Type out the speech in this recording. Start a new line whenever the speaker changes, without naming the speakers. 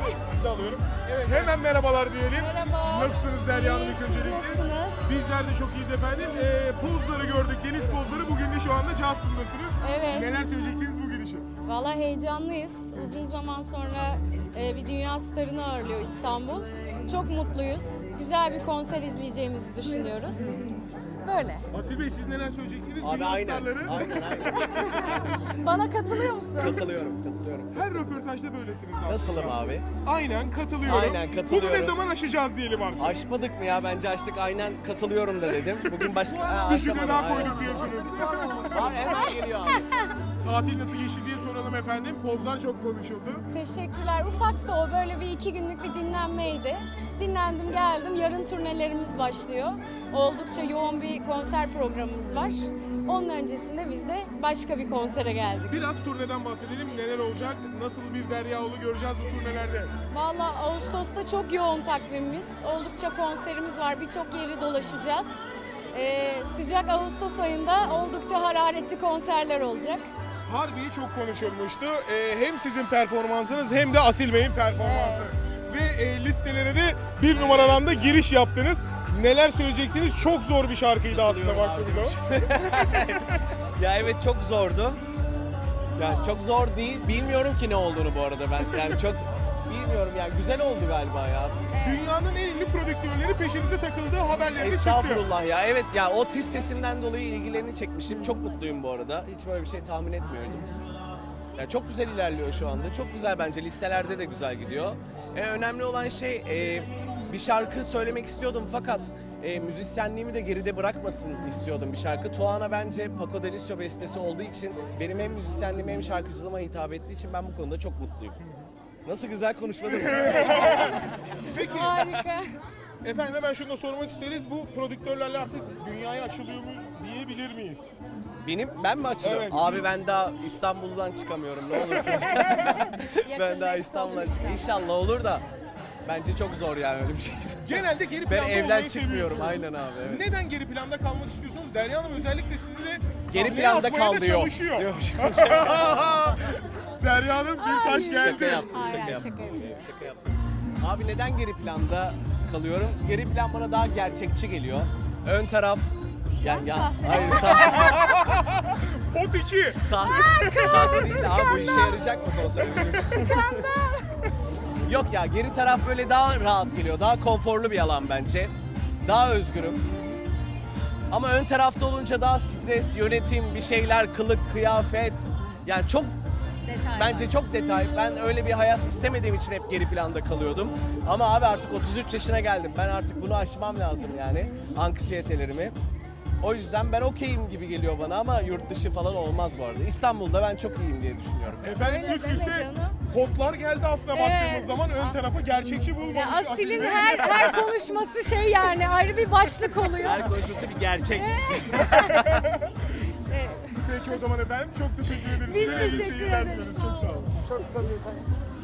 Sizi de alıyorum. Evet, hemen merhabalar diyelim.
Merhaba.
Nasılsınız Derya Hanım ilk
Siz
öncelikle?
nasılsınız?
Bizler de çok iyiyiz efendim. Pozları gördük, deniz pozları. Bugün de şu anda Justin'dasınız.
Evet.
Neler söyleyeceksiniz bugün için?
Vallahi heyecanlıyız. Uzun zaman sonra bir dünya starını ağırlıyor İstanbul. Çok mutluyuz. Güzel bir konser izleyeceğimizi düşünüyoruz. Böyle.
Asil Bey siz neler söyleyeceksiniz?
Abi
Dünya
aynen,
starları.
aynen.
Bana katılıyor musun?
Katılıyorum.
Her röportajda böylesiniz aslında.
Nasılım abi?
Aynen katılıyorum.
Aynen, katılıyorum.
Bunu ne zaman aşacağız diyelim artık.
Aşmadık mı ya? Bence açtık. Aynen katılıyorum da dedim. Bugün başka...
Bir cümle
aşamadım,
daha
aynen.
koyduk diyorsunuz.
Var hemen geliyor abi.
Tatil nasıl geçti diye soralım efendim. Pozlar çok konuşuldu.
Teşekkürler. Ufaktı o. Böyle bir 2 günlük bir dinlenmeydi. Dinlendim geldim. Yarın turnelerimiz başlıyor. Oldukça yoğun bir konser programımız var. Onun öncesinde biz de başka bir konsere geldik.
Biraz turneden bahsedelim. Neler olacak? Nasıl bir Derya Ulu göreceğiz bu turnelerde?
Vallahi Ağustos'ta çok yoğun takvimimiz. Oldukça konserimiz var. Birçok yeri dolaşacağız. Sıcak Ağustos ayında oldukça hararetli konserler olacak.
Harbiye çok konuşulmuştu. Hem sizin performansınız hem de Asil Bey'in performansı. Ve listelere de bir numaradan da giriş yaptınız. Neler söyleyeceksiniz? Çok zor bir şarkıydı aslında
Katılıyorum
baktığımızda.
Ya evet çok zordu. Yani çok zor değil. Bilmiyorum ki ne olduğunu bu arada ben. Yani çok bilmiyorum yani. Güzel oldu galiba ya.
Dünyanın en ünlü prodüktörleri peşinize takıldığı haberleri çıktı.
Estağfurullah ya. Evet ya o tiz sesimden dolayı ilgilerini çekmişim. Çok mutluyum bu arada. Hiç böyle bir şey tahmin etmiyordum. Ya çok güzel ilerliyor şu anda. Çok güzel bence. Listelerde de güzel gidiyor. Önemli olan şey bir şarkı söylemek istiyordum fakat müzisyenliğimi de geride bırakmasın istiyordum bir şarkı. Tuana bence Paco de Lucio bestesi olduğu için benim hem müzisyenliğime hem şarkıcılığıma hitap ettiği için ben bu konuda çok mutluyum. Nasıl güzel konuşmadım mı?
Peki
Harika.
efendim hemen şunu da sormak isteriz. Bu prodüktörlerle artık dünyaya açılıyor muyuz diyebilir miyiz?
Ben mi açılıyorum?
Evet.
Abi ben daha İstanbul'dan çıkamıyorum ne olursunuz. Ben daha İstanbul'dan çıkamıyorum. İnşallah olur da bence çok zor yani öyle bir şey.
Genelde geri
Ben
planda
evden
olmayı
çıkmıyorum,
seviyorsunuz.
aynen abi, evet.
Neden geri planda kalmak istiyorsunuz? Derya Hanım özellikle sizi de
Geri
sahneye
planda
atmaya da
kal diyor.
çalışıyor.
Yok,
Derya Hanım bir taş geldi.
Şaka yaptım,
Hayır,
şaka
şaka
yaptım.
yapıyorum.
Şaka yaptım. Abi neden geri planda kalıyorum? Geri plan bana daha gerçekçi geliyor. Ön taraf ya hayır
Pot 2.
sahne değil de abi bu işe yarayacak mı konser? Yok ya geri taraf böyle daha rahat geliyor. Daha konforlu bir alan bence. Daha özgürüm. Ama ön tarafta olunca daha stres, yönetim, bir şeyler, kılık, kıyafet. Yani çok
Detay
bence
var.
çok detay. Ben öyle bir hayat istemediğim için hep geri planda kalıyordum. Ama abi artık 33 yaşına geldim. Ben artık bunu aşmam lazım yani. Anksiyetelerimi. O yüzden ben okeyim gibi geliyor bana ama yurt dışı falan olmaz bu arada. İstanbul'da ben çok iyiyim diye düşünüyorum.
Efendim
Öyle
üst
deme
üste
canım.
potlar geldi aslında
Evet.
baktığımız zaman ön tarafı gerçekçi bulmamış.
Ya
Asil
Asil'in
Bey.
her konuşması şey yani ayrı bir başlık oluyor.
Her konuşması bir gerçek.
Evet.
Peki o zaman efendim çok teşekkür ederiz.
Biz
Size iyi
teşekkür
seyirler
ederiz.
diliyoruz. Çok sağ olun.
Çok samimi.